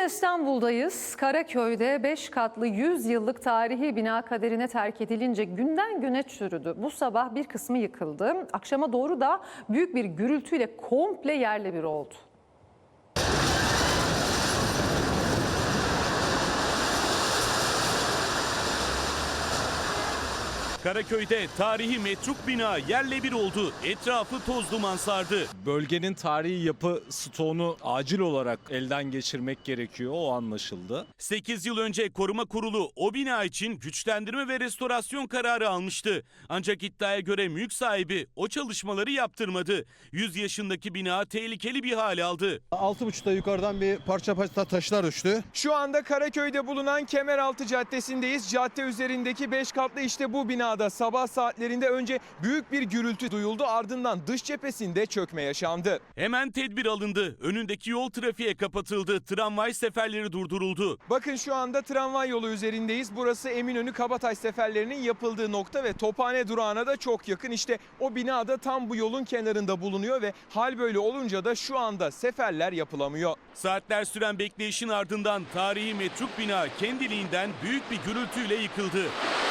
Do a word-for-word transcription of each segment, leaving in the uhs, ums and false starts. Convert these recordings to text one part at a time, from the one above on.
İstanbul'dayız. Karaköy'de beş katlı yüz yıllık tarihi bina kaderine terk edilince günden güne çürüdü. Bu sabah bir kısmı yıkıldı. Akşama doğru da büyük bir gürültüyle komple yerle bir oldu. Karaköy'de tarihi metruk bina yerle bir oldu. Etrafı toz duman sardı. Bölgenin tarihi yapı stoğunu acil olarak elden geçirmek gerekiyor, o anlaşıldı. sekiz yıl önce koruma kurulu o bina için güçlendirme ve restorasyon kararı almıştı. Ancak iddiaya göre mülk sahibi o çalışmaları yaptırmadı. yüz yaşındaki bina tehlikeli bir hal aldı. altı buçukta yukarıdan bir parça parça taşlar düştü. Şu anda Karaköy'de bulunan Kemeraltı Caddesi'ndeyiz. Cadde üzerindeki beş katlı işte bu binada sabah saatlerinde önce büyük bir gürültü duyuldu. Ardından dış cephesinde çökme yaşandı. Hemen tedbir alındı. Önündeki yol trafiğe kapatıldı. Tramvay seferleri durduruldu. Bakın şu anda tramvay yolu üzerindeyiz. Burası Eminönü Kabataş seferlerinin yapıldığı nokta ve Tophane durağına da çok yakın. İşte o bina da tam bu yolun kenarında bulunuyor ve hal böyle olunca da şu anda seferler yapılamıyor. Saatler süren bekleyişin ardından tarihi metruk bina kendiliğinden büyük bir gürültüyle yıkıldı.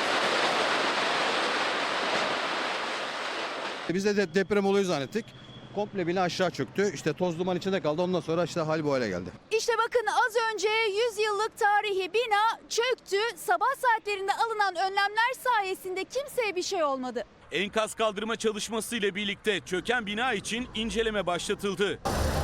Biz de de deprem oluyor zannettik. Komple bina aşağı çöktü. İşte toz duman içinde kaldı. Ondan sonra işte hal bu hale geldi. İşte bakın az önce yüz yıllık tarihi bina çöktü. Sabah saatlerinde alınan önlemler sayesinde kimseye bir şey olmadı. Enkaz kaldırma çalışması ile birlikte çöken bina için inceleme başlatıldı.